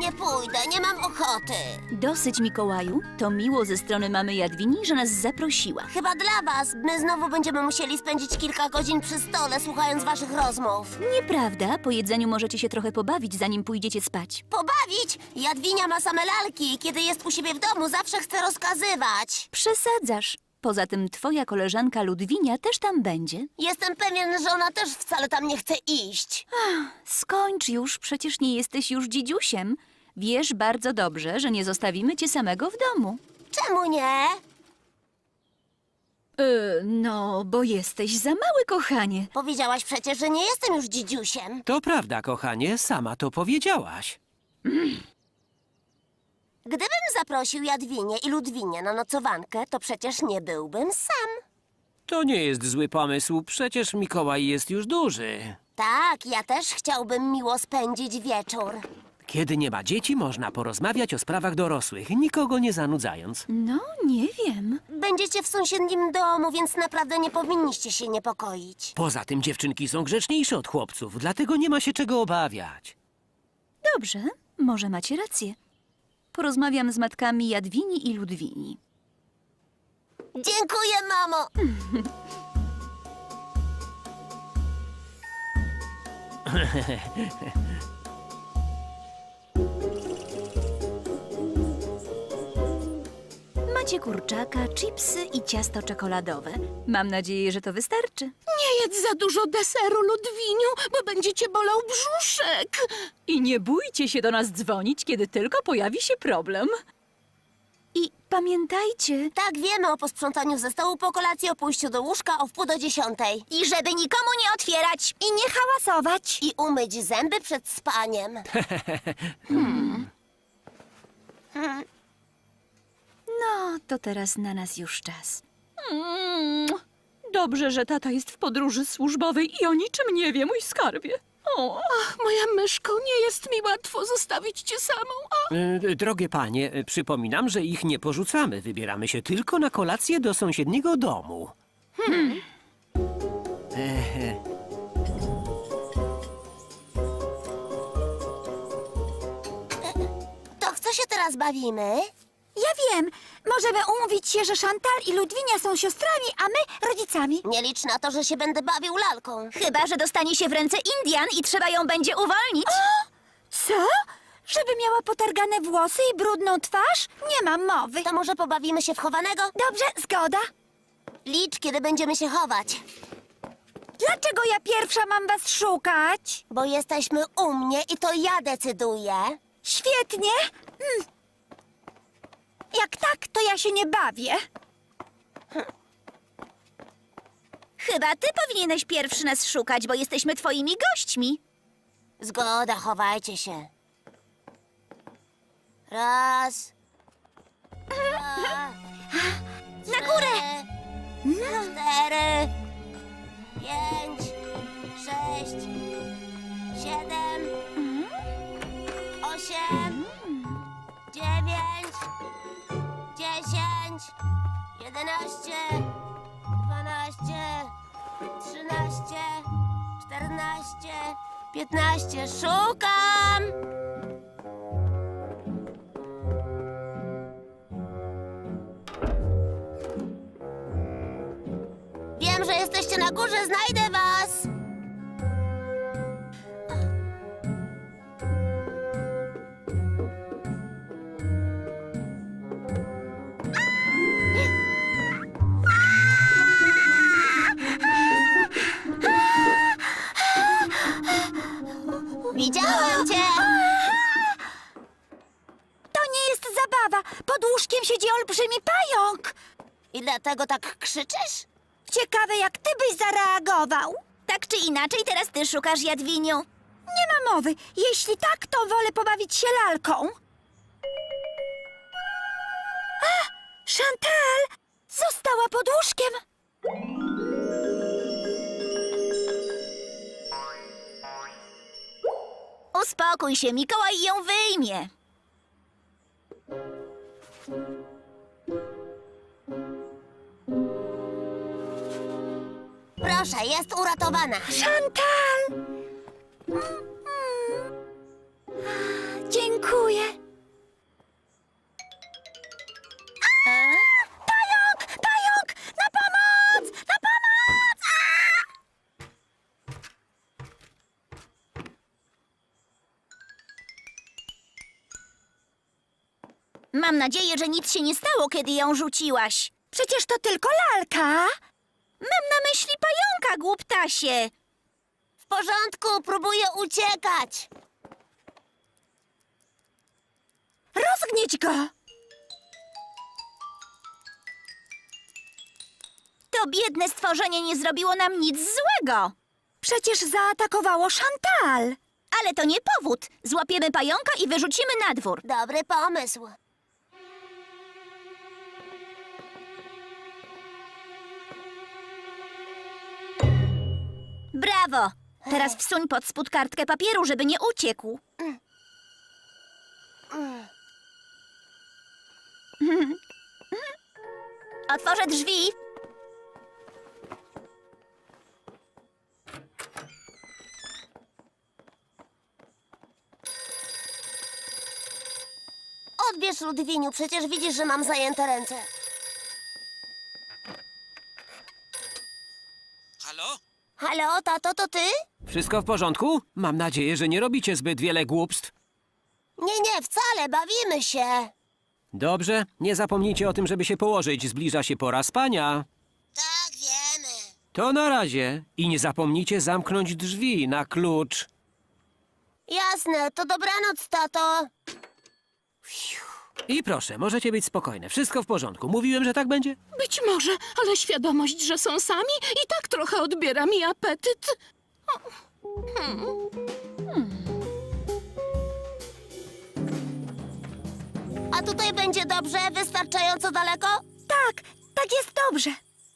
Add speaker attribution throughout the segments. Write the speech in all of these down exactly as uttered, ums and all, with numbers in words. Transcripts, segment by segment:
Speaker 1: Nie pójdę, nie mam ochoty.
Speaker 2: Dosyć, Mikołaju. To miło ze strony mamy Jadwini, że nas zaprosiła.
Speaker 1: Chyba dla was. My znowu będziemy musieli spędzić kilka godzin przy stole, słuchając waszych rozmów.
Speaker 2: Nieprawda, po jedzeniu możecie się trochę pobawić, zanim pójdziecie spać.
Speaker 1: Pobawić? Jadwinia ma same lalki. Kiedy jest u siebie w domu, zawsze chce rozkazywać.
Speaker 2: Przesadzasz. Poza tym twoja koleżanka Ludwinia też tam będzie.
Speaker 1: Jestem pewien, że ona też wcale tam nie chce iść.
Speaker 2: Skończ już, przecież nie jesteś już dzidziusiem. Wiesz bardzo dobrze, że nie zostawimy cię samego w domu.
Speaker 1: Czemu nie?
Speaker 2: Yy, no, bo jesteś za mały, kochanie.
Speaker 1: Powiedziałaś przecież, że nie jestem już dzidziusiem.
Speaker 3: To prawda, kochanie, sama to powiedziałaś.
Speaker 1: Gdybym zaprosił Jadwinię i Ludwinię na nocowankę, to przecież nie byłbym sam.
Speaker 3: To nie jest zły pomysł, przecież Mikołaj jest już duży.
Speaker 1: Tak, ja też chciałbym miło spędzić wieczór.
Speaker 3: Kiedy nie ma dzieci, można porozmawiać o sprawach dorosłych, nikogo nie zanudzając.
Speaker 2: No, nie wiem.
Speaker 1: Będziecie w sąsiednim domu, więc naprawdę nie powinniście się niepokoić.
Speaker 3: Poza tym dziewczynki są grzeczniejsze od chłopców, dlatego nie ma się czego obawiać.
Speaker 2: Dobrze, może macie rację. Porozmawiam z matkami Jadwini i Ludwini.
Speaker 1: Dziękuję, mamo!
Speaker 2: Macie kurczaka, chipsy i ciasto czekoladowe. Mam nadzieję, że to wystarczy.
Speaker 4: Nie jedz za dużo deseru, Ludwiniu, bo będzie cię bolał brzuszek.
Speaker 2: I nie bójcie się do nas dzwonić, kiedy tylko pojawi się problem. I pamiętajcie...
Speaker 1: Tak, wiemy o posprzątaniu ze stołu po kolacji, o pójściu do łóżka o wpół do dziesiątej. I żeby nikomu nie otwierać. I nie hałasować. I umyć zęby przed spaniem.
Speaker 2: Hmm. No, to teraz na nas już czas. Mm, dobrze, że tata jest w podróży służbowej i o niczym nie wie, mój skarbie. O.
Speaker 4: Ach, moja myszko, nie jest mi łatwo zostawić cię samą. A...
Speaker 3: E, drogie panie, e, przypominam, że ich nie porzucamy. Wybieramy się tylko na kolację do sąsiedniego domu.
Speaker 2: Hmm.
Speaker 3: E,
Speaker 1: To w co się teraz bawimy?
Speaker 5: Ja wiem. Możemy umówić się, że Chantal i Ludwinia są siostrami, a my rodzicami.
Speaker 1: Nie licz na to, że się będę bawił lalką.
Speaker 2: Chyba że dostanie się w ręce Indian i trzeba ją będzie uwolnić.
Speaker 5: Co? Żeby miała potargane włosy i brudną twarz? Nie mam mowy.
Speaker 1: To może pobawimy się w chowanego?
Speaker 5: Dobrze, zgoda.
Speaker 1: Licz, kiedy będziemy się chować.
Speaker 5: Dlaczego ja pierwsza mam was szukać?
Speaker 1: Bo jesteśmy u mnie i to ja decyduję.
Speaker 5: Świetnie. Mm. Jak tak, to ja się nie bawię.
Speaker 2: Chyba ty powinieneś pierwszy nas szukać, bo jesteśmy twoimi gośćmi.
Speaker 1: Zgoda, chowajcie się. Raz. Dwa.
Speaker 2: Na górę!
Speaker 1: Trzy, cztery. Pięć. Sześć. Siedem. Osiem. Dziewięć. Dziesięć. Jedenaście. Dwanaście. Trzynaście. Czternaście. Piętnaście. Szukam! Wiem, że jesteście na górze, znajdę was! Widziałem cię!
Speaker 5: To nie jest zabawa. Pod łóżkiem siedzi olbrzymi pająk.
Speaker 1: I dlatego tak krzyczysz?
Speaker 5: Ciekawe, jak ty byś zareagował.
Speaker 2: Tak czy inaczej, teraz ty szukasz Jadwiniu.
Speaker 5: Nie ma mowy. Jeśli tak, to wolę pobawić się lalką. A! Chantal! Została pod łóżkiem.
Speaker 2: Uspokój się, Mikołaj ją wyjmie.
Speaker 1: Proszę, jest uratowana.
Speaker 5: Chantal! Dziękuję. Dziękuję. A? Pająk! Pająk! Na pomoc! Na pomoc! A!
Speaker 1: Mam nadzieję, że nic się nie stało, kiedy ją rzuciłaś.
Speaker 5: Przecież to tylko lalka.
Speaker 1: Mam na myśli pająka, głuptasie. W porządku, próbuję uciekać.
Speaker 5: Rozgnieć go.
Speaker 1: To biedne stworzenie nie zrobiło nam nic złego.
Speaker 5: Przecież zaatakowało Chantal.
Speaker 1: Ale to nie powód. Złapiemy pająka i wyrzucimy na dwór. Dobry pomysł. Brawo! Teraz wsuń pod spód kartkę papieru, żeby nie uciekł. Otworzę drzwi. Odbierz, Ludwiniu, przecież widzisz, że mam zajęte ręce.
Speaker 3: Halo?
Speaker 1: Halo, tato, to ty?
Speaker 3: Wszystko w porządku? Mam nadzieję, że nie robicie zbyt wiele głupstw.
Speaker 1: Nie, nie, wcale, bawimy się.
Speaker 3: Dobrze, nie zapomnijcie o tym, żeby się położyć. Zbliża się pora spania.
Speaker 1: Tak, wiemy.
Speaker 3: To na razie. I nie zapomnijcie zamknąć drzwi na klucz.
Speaker 1: Jasne, to dobranoc, tato.
Speaker 3: I proszę, możecie być spokojne. Wszystko w porządku. Mówiłem, że tak będzie?
Speaker 4: Być może, ale świadomość, że są sami, i tak trochę odbiera mi apetyt.
Speaker 1: A tutaj będzie dobrze? Wystarczająco daleko?
Speaker 5: Tak, tak jest dobrze.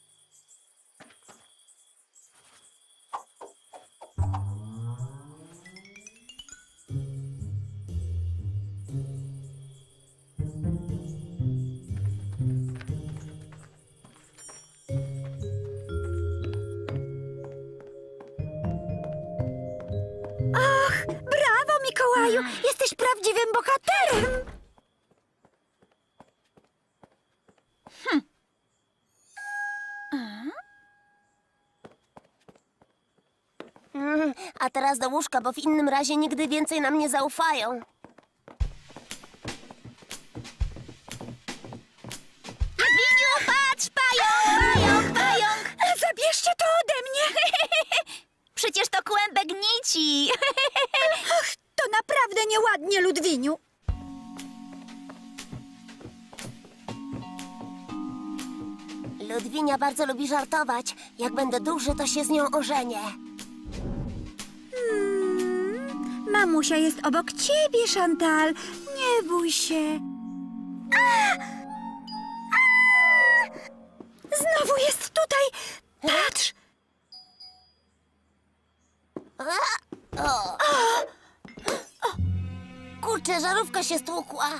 Speaker 5: Ach, brawo, Mikołaju! Jesteś prawdziwym bohaterem!
Speaker 1: Mm, a teraz do łóżka, bo w innym razie nigdy więcej nam nie zaufają. Jadwiniu, patrz! Pająk, pająk, pająk!
Speaker 5: Zabierzcie to ode mnie!
Speaker 1: Przecież to kłębek nici.
Speaker 5: Ach, to naprawdę nieładnie, Ludwiniu.
Speaker 1: Ludwinia bardzo lubi żartować. Jak będę duży, to się z nią ożenię.
Speaker 5: Hmm, mamusia jest obok ciebie, Chantal. Nie bój się. A! A! Znowu jest tutaj. Patrz.
Speaker 1: O. Kurczę, żarówka się stłukła.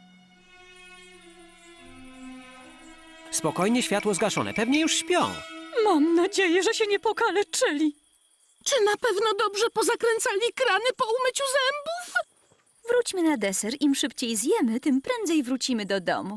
Speaker 3: Spokojnie, światło zgaszone. Pewnie już śpią.
Speaker 2: Mam nadzieję, że się nie pokaleczyli.
Speaker 4: Czy na pewno dobrze pozakręcali krany po umyciu zębów?
Speaker 2: Wróćmy na deser. Im szybciej zjemy, tym prędzej wrócimy do domu.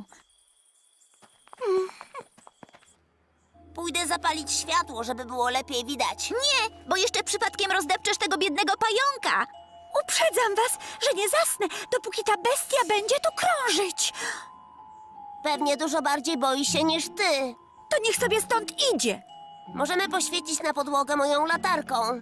Speaker 1: Pójdę zapalić światło, żeby było lepiej widać. Nie, bo jeszcze przypadkiem rozdepczesz tego biednego pająka.
Speaker 5: Uprzedzam was, że nie zasnę, dopóki ta bestia będzie tu krążyć.
Speaker 1: Pewnie dużo bardziej boi się niż ty.
Speaker 5: To niech sobie stąd idzie.
Speaker 1: Możemy poświecić na podłogę moją latarką.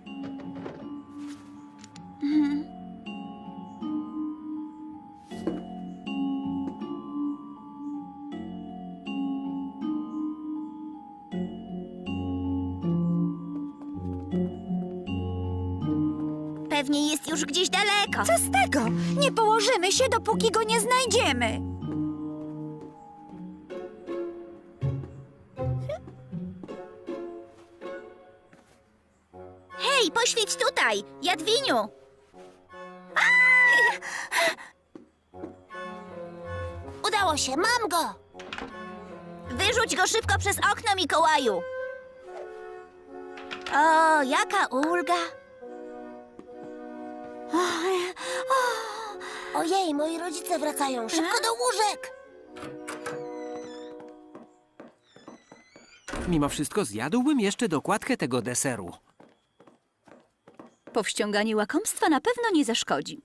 Speaker 1: Pewnie jest już gdzieś daleko.
Speaker 5: Co z tego? Nie położymy się, dopóki go nie znajdziemy.
Speaker 1: Hej, poświeć tutaj, Jadwiniu. Udało się, mam go. Wyrzuć go szybko przez okno, Mikołaju. O, jaka ulga. Ojej, moi rodzice wracają. Szybko do łóżek!
Speaker 3: Mimo wszystko zjadłbym jeszcze dokładkę tego deseru.
Speaker 2: Powściąganie łakomstwa na pewno nie zaszkodzi.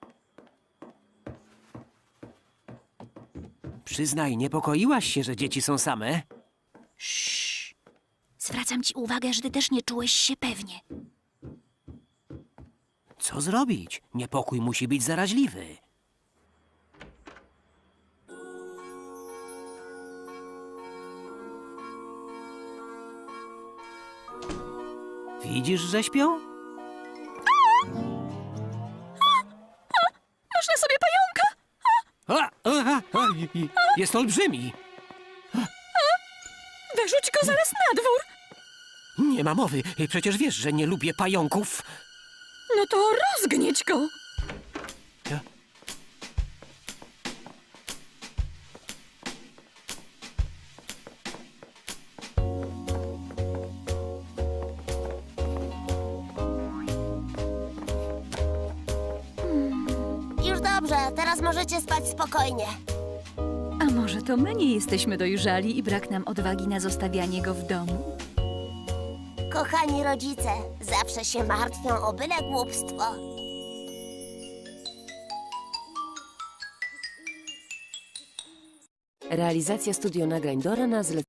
Speaker 3: Przyznaj, niepokoiłaś się, że dzieci są same?
Speaker 2: Zwracam ci uwagę, że ty też nie czułeś się pewnie.
Speaker 3: Co zrobić? Niepokój musi być zaraźliwy. Widzisz, że śpią?
Speaker 2: Masz na sobie pająka!
Speaker 3: A, a, a, a, i- i- jest olbrzymi.
Speaker 2: Wyrzuć go zaraz na dwór!
Speaker 3: Nie ma mowy. Przecież wiesz, że nie lubię pająków.
Speaker 2: No to rozgnieć go!
Speaker 1: Już dobrze, teraz możecie spać spokojnie.
Speaker 2: A może to my nie jesteśmy dojrzali i brak nam odwagi na zostawianie go w domu?
Speaker 1: Kochani rodzice, zawsze się martwią o byle głupstwo.
Speaker 6: Realizacja studio nagrań Dora na zlecenie.